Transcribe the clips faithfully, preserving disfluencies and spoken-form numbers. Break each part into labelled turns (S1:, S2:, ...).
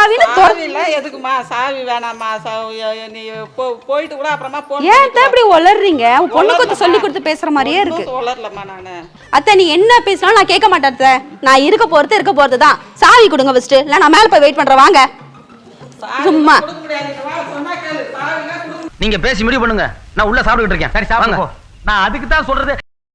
S1: சாவின்னு
S2: சாவில எதுக்குமா? சாவி வேணாமா? நீ போயிட்டு கூட அப்புறமா போன்.
S1: ஏன் அத்தை இப்படி உளறீங்க? பொண்ணு கொத்து சொல்லி கொடுத்து பேசுற மாதிரியே இருக்கு.
S2: உளறலமா நானு.
S1: அத்தை நீ என்ன பேசினாலும் நான் கேட்க மாட்டேன் அத்தை. நான் இருக்க போறது இருக்க போறது தான். சாவி கொடுங்க ஃபர்ஸ்ட். இல்ல நான் மேல போய் வெயிட் பண்றேன். வாங்க. சும்மா
S3: நீங்க பேசி முடிவு பண்ணுங்க. நான் உள்ள சாப்பிட்டுட்டு இருக்கேன். சரி சாப்பிடுங்க. நான் அதுக்கு தான் சொல்றது.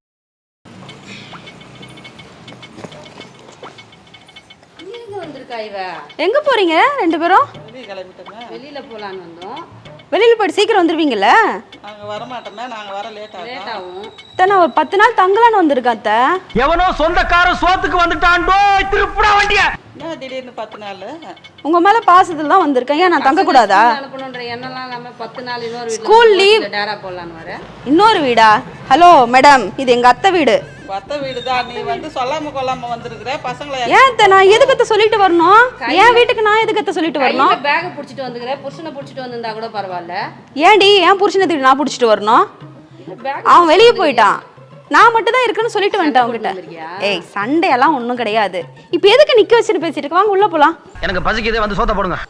S1: எங்க போறீங்க ரெண்டு பேரும்?
S4: வெளியில போலான்னு வந்தோம்.
S1: வெளியில போயிட்டு சீக்கிரம் வந்துருவீங்கல்ல?
S2: நாங்க வர மாட்டோமே. நாங்க வர லேட் ஆகும்.
S4: லேட் ஆகும்.
S1: அத்தை நான் ஒரு பத்து நாள் தங்கலான்னு வந்திருக்கேன் அத்தை.
S3: எவனோ சொந்தக்காரன் சோத்துக்கு வந்துட்டான்டோ. திருப்புடா வண்டிய.
S2: என்ன திடீர்னு பத்து நாள்?
S1: உங்க மேல பாசத்துல தான் வந்திருக்கேன். ஏன் நான் தங்க கூடாதா?
S4: அனுப்பணும்ன்ற எண்ணம்லாம் இல்லாம பத்து நாள் இன்னொரு
S1: ஸ்கூல் லீவ்
S4: டேரா போலான்னு வரேன்.
S1: இன்னொரு வீடா? ஹலோ மேடம், இது எங்க அத்தை வீடு.
S2: அத்தை வீடு தான். நீ வந்து சொல்லாம கொள்ளாம வந்திருக்கிற. பசங்களை
S1: ஏன் அத்தை நான் எதுக்கு சொல்லிட்டு வரணும்? என் வீட்டுக்கு நான் எதுக்கு சொல்லிட்டு வரணும்?
S4: பேக் புடிச்சிட்டு வந்துக்கிறேன். புருஷனை புடிச்சிட்டு வந்திருந்தா கூட பரவாயில்ல.
S1: ஏன்டி என் புருஷனை தூக்கி நான் புடிச்சிட்டு வரணும்? அவன் வெளியே போயிட்டான். நான் மட்டும் தான் இருக்குன்னு சொல்லிட்டு வந்துட்டேன் அவங்ககிட்ட. ஏய் சண்டையெல்லாம் ஒன்றும் கிடையாது. இப்போ எதுக்கு நிக்க வச்சுட்டு பேசிட்டு இருக்க? வாங்க உள்ள போலாம்.
S3: எனக்கு பசிக்குதே, வந்து சோத்த போடுங்க.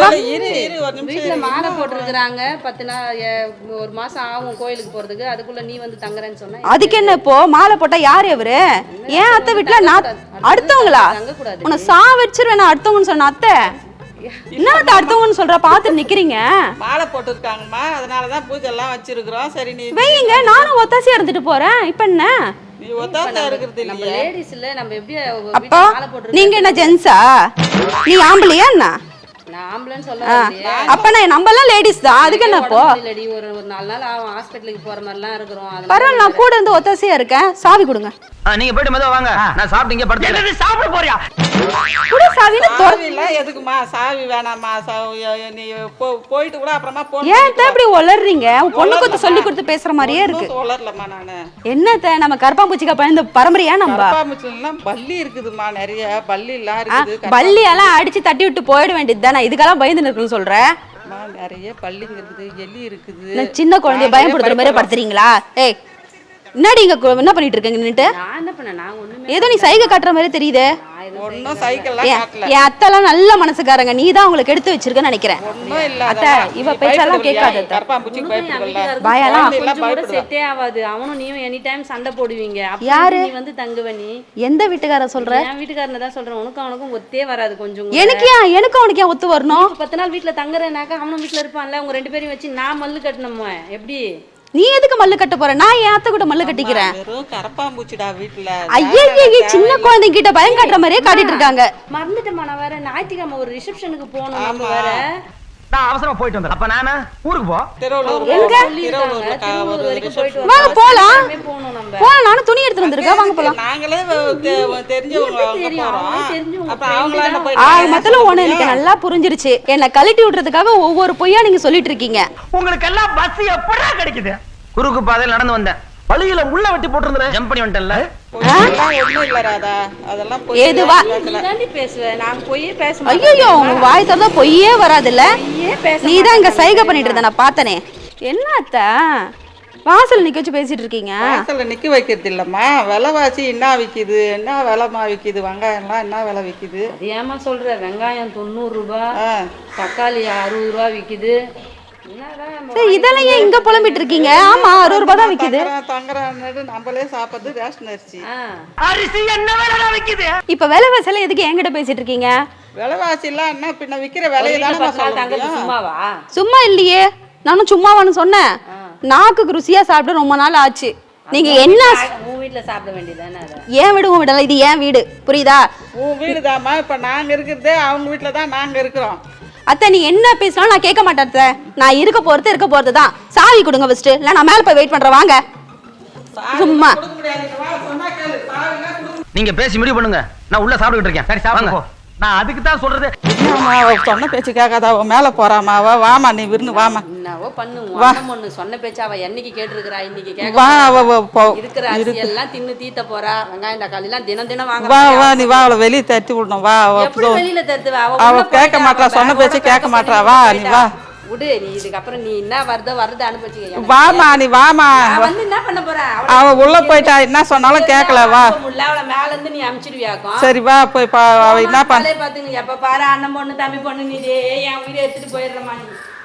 S4: வீட்டுல மாலை போட்டுருக்காங்க. பத்து நாள் ஒரு மாசம் ஆகும் கோயிலுக்கு போறதுக்கு. அதுக்குள்ள நீ வந்து தங்குறேன்னு சொன்ன.
S1: அதுக்கு என்ன இப்போ மாலை போட்டா யாரு அவரு? ஏன் அத்தை வீட்டுல நான் அடுத்தவங்களா? உன்னை சா வச்சிருவேன் நான் அடுத்தவங்கன்னு சொன்ன அத்தை. என்ன அடுத்தவங்கன்னு சொல்ற? பாத்து நிக்கிறீங்க.
S2: மாலை போட்டுருக்காங்கம்மா. அதனாலதான் பூஜை எல்லாம் வச்சிருக்கிறோம். சரி நீ
S1: வைங்க, நானும் ஒத்தாசியா இருந்துட்டு போறேன். இப்ப என்ன
S2: நீ ஒத்தாசியா இருக்கிறது
S4: நம்ம
S2: இல்லையா?
S4: லேடிஸ் இல்ல, நம்ம எப்படி
S1: அப்போ நீங்க என்ன ஜென்ஸா? நீ ஆம்பளையா என்ன?
S4: நான் ஆம்பளைன்னு சொல்ல.
S1: அப்ப நான் நம்ம எல்லாம் லேடிஸ் தான். அதுக்கு என்ன இப்போ?
S4: இல்லடி, ஒரு ஒரு நாலு நாள் ஆகும் ஹாஸ்பிடலுக்கு போற மாதிரிலாம் இருக்கிறோம்.
S1: பரவாயில்ல, நான் கூட இருந்து ஒத்தாசியா இருக்கேன். சாவி கொடுங்க.
S3: நீங்க போயிட்டு மெதுவா வாங்க. நான் சாப்பிட்டு இங்கே படுத்து. சாப்பிட போறியா?
S1: கூட சாவில
S2: சாவில எதுக்குமா? சாவி வேணாமா? நீ போயிட்டு கூட அப்புறமா போன்.
S1: ஏன் அத்தை இப்படி உளறீங்க? பொண்ணு கொத்து சொல்லி கொடுத்து பேசுற மாதிரியே இருக்கு.
S2: உளறலமா நானு.
S1: என்னத்த நம்ம கருப்பாம்பூச்சிக்கா பயந்த பரம்பரையா? நம்ம
S2: கருப்பாம்பூச்சிலாம் பல்லி இருக்குதுமா. நிறைய பல்லி எல்லாம் இருக்குது.
S1: பல்லி எல்லாம் அடிச்சு தட்டி விட்டு போயிட வேண்டியது தானே. இதுக்கெல்லாம் பயந்து இருக்குன்னு சொல்றேன்.
S2: நிறைய பல்லி இருக்குது, எலி இருக்குது.
S1: சின்ன குழந்தைய பயப்படுத்துற மாதிரி படுத்துறீங்களா? ஏய் என்னடி இங்க என்ன பண்ணிட்டு இருக்கீங்க? நின்னுட்டு
S4: நான் என்ன பண்ண? நான் ஒண்ணுமே
S1: ஏதோ நீ சைகை காட்டுற மாதிரி தெரியுது.
S2: ஒன்னும் சைக்கிள்லாம் காட்டல.
S1: என் அத்தைலாம் நல்ல மனசுக்காரங்க. நீ தான் உங்களுக்கு எடுத்து வச்சிருக்கன்னு நினைக்கிறேன்.
S2: ஒண்ணும் இல்ல
S1: அத்தை இவ பேச்செல்லாம் கேட்காத.
S2: கருப்பாம்பூச்சிக்கு பயப்படுவல்ல.
S1: பயலாம்
S4: கூட செட்டே ஆகாது. அவனும் நீயும் எனி டைம் சண்டை போடுவீங்க.
S1: யாரு?
S4: நீ வந்து தங்குவ. நீ
S1: எந்த வீட்டுக்கார சொல்ற?
S4: என் வீட்டுக்காரனை தான் சொல்றேன். உனக்கும் அவனுக்கும் ஒத்தே வராது. கொஞ்சம்
S1: எனக்கு ஏன் எனக்கு அவனுக்கு ஏன் ஒத்து வரணும்?
S4: பத்து நாள் வீட்டுல தங்குறேனாக்கா அவனும் வீட்டுல இருப்பான்ல. உங்க ரெண்டு பேரையும் வச்சு நான் மல்லு கட்டணுமா? எப்படி
S1: நீ எதுக்கு மல்லு கட்ட போற? நான் என் அத்தை கூட மல்லு கட்டிக்கிறேன்.
S2: வெறும் கரப்பாம்பூச்சிடா வீட்டுல.
S1: ஐயே சின்ன குழந்தைங்க கிட்ட பயம் காட்டுற மாதிரியே காட்டிட்டு இருக்காங்க.
S4: மறந்துட்டேமா. நான் வேற ஞாயிற்றுக்கிழமை ஒரு ரிசப்ஷனுக்கு போகணும். நம்ம வேற
S3: நான் அவசரமா போயிட்டு வந்தேன். அப்ப நானு ஊருக்கு போ.
S2: திருவள்ளூர்
S1: எங்க?
S2: திருவள்ளூர்
S4: வரைக்கும் போயிட்டு
S1: வாங்க போலாம்.
S4: போகணும் நம்ம.
S1: போலாம், நானும் துணி எடுத்து வந்திருக்கேன். வாங்க போலாம்.
S2: நாங்களே தெரிஞ்சவங்க அங்க போறோம். அப்ப அவங்கள என்ன போய்
S1: ஆக மொத்தல ஒண்ணு எனக்கு நல்லா புரிஞ்சிருச்சு. என்ன கழட்டி விடுறதுக்காக ஒவ்வொரு பொய்யா நீங்க சொல்லிட்டு இருக்கீங்க.
S3: உங்களுக்கு எல்லாம் பஸ் எப்படா கிடைக்குது? குறுக்கு பாதையில் நடந்து வந்தேன். வழியில முள்ள வெட்டி போட்டுருந்தேன். ஜம்ப் பண்ணி வந்துட்டேன்ல.
S2: ஒண்ணும் இல்ல ராதா. அதெல்லாம் போய்
S1: ஏதுவா
S4: நீதாண்டி பேசுவ. நான் பொய்யே பேச
S1: மாட்டேன். ஐயோ உங்க வாய் திறந்தா பொய்யே வராதுல்ல. நீ தான் இங்க சைகை பண்ணிட்டு இருந்த நான் பார்த்தனே. என்ன அத்தை வாசல் நிக்க வச்சு பேசிட்டு இருக்கீங்க?
S2: வாசல்ல நிக்க வைக்கிறது இல்லம்மா. விலைவாசி என்ன விக்குது? என்ன விலைமா விக்குது? வெங்காயம்லாம் என்ன விலை விக்குது?
S4: ஏமா சொல்ற? வெங்காயம் தொண்ணூறு ரூபாய், தக்காளி அறுபது ரூபாய் விக்குது.
S1: இதெல்லாம் ஏன் இங்க புலம்பிட்டு இருக்கீங்க? ஆமா அறுபது ரூபாய் தான் விக்குது.
S2: தங்கறானது நம்மளே சாப்பிடுறது ரேஷன் அரிசி.
S3: அரிசி என்ன விலை விக்குது?
S1: இப்ப விலைவாசில எதுக்கு என்கிட்ட பேசிட்டு இருக்கீங்க?
S2: விலைவாசி எல்லாம் என்ன பின்ன விக்கிற விலையை தானே நான் சொல்றேன்.
S4: சும்மாவா?
S1: சும்மா இல்லையே. நானும் சும்மாவான்னு சொன்னேன். நாக்குக்கு ருசியா சாப்பிட்டு ரொம்ப நாள் ஆச்சு. நீங்க என்ன
S4: உன் வீட்டுல சாப்பிட வேண்டியதானே?
S1: ஏன் வீடு உன் வீடல? இது ஏன் வீடு, புரியுதா?
S2: உன் வீடுதாம்மா. இப்ப நாங்க இருக்கிறதே அவங்க வீட்டுல தான் நாங்க இருக்கிறோம்.
S1: அத்தை நீ என்ன பேசினாலும் நான் கேட்க மாட்டேன் அத்தை. நான் இருக்க போறது இருக்க போறது தான். சாவி கொடுங்க ஃபர்ஸ்ட். இல்ல நான் மேல போய் வெயிட் பண்றேன். வாங்க. சும்மா
S3: நீங்க பேசி முடிவு பண்ணுங்க. நான் உள்ள சாப்பிட்டுட்டு இருக்கேன். சரி சாப்பிடுங்க. நான் அதுக்கு தான் சொல்றது.
S2: சொன்ன பேச்சு கேட்காத. அவ மேல போறாமா? அவ வாமா, நீ விருந்து வாமா.
S4: என்னவோ பண்ணு. அண்ணன் பொண்ணு சொன்ன பேச்சு அவ என்னைக்கு கேட்டிருக்கிறா? இன்னைக்கு கேட்க
S2: வா. அவ
S4: இருக்கிற அரிசி எல்லாம் தின்னு தீத்த போறா. வெங்காயம் தக்காளி எல்லாம் தினம் தினம் வாங்க.
S2: வா வா நீ வா. அவளை வெளியே தட்டி விடணும். வா.
S4: எப்படி வெளியில தருத்துவ?
S2: அவ கேட்க மாட்டா. சொன்ன பேச்சு கேட்க மாட்டா. வா நீ வா.
S4: விடு நீ இதுக்கப்புறம் நீ என்ன வருதோ வருது அனுபவிச்சுக்க
S2: வாமா நீ வாமா
S4: நான் வந்து என்ன பண்ண போறேன்
S2: அவ உள்ள போயிட்டா என்ன சொன்னாலும் கேட்கல வா
S4: முல்ல அவளை மேல இருந்து நீ அமிச்சிடுவியாக்கும்
S2: சரி வா போய் பா அவ என்ன பண்ண
S4: பாத்துங்க எப்ப பாரு அண்ணன் பொண்ணு தம்பி பொண்ணு நீ என் உயிரை எடுத்துட்டு போயிடுறமா நீ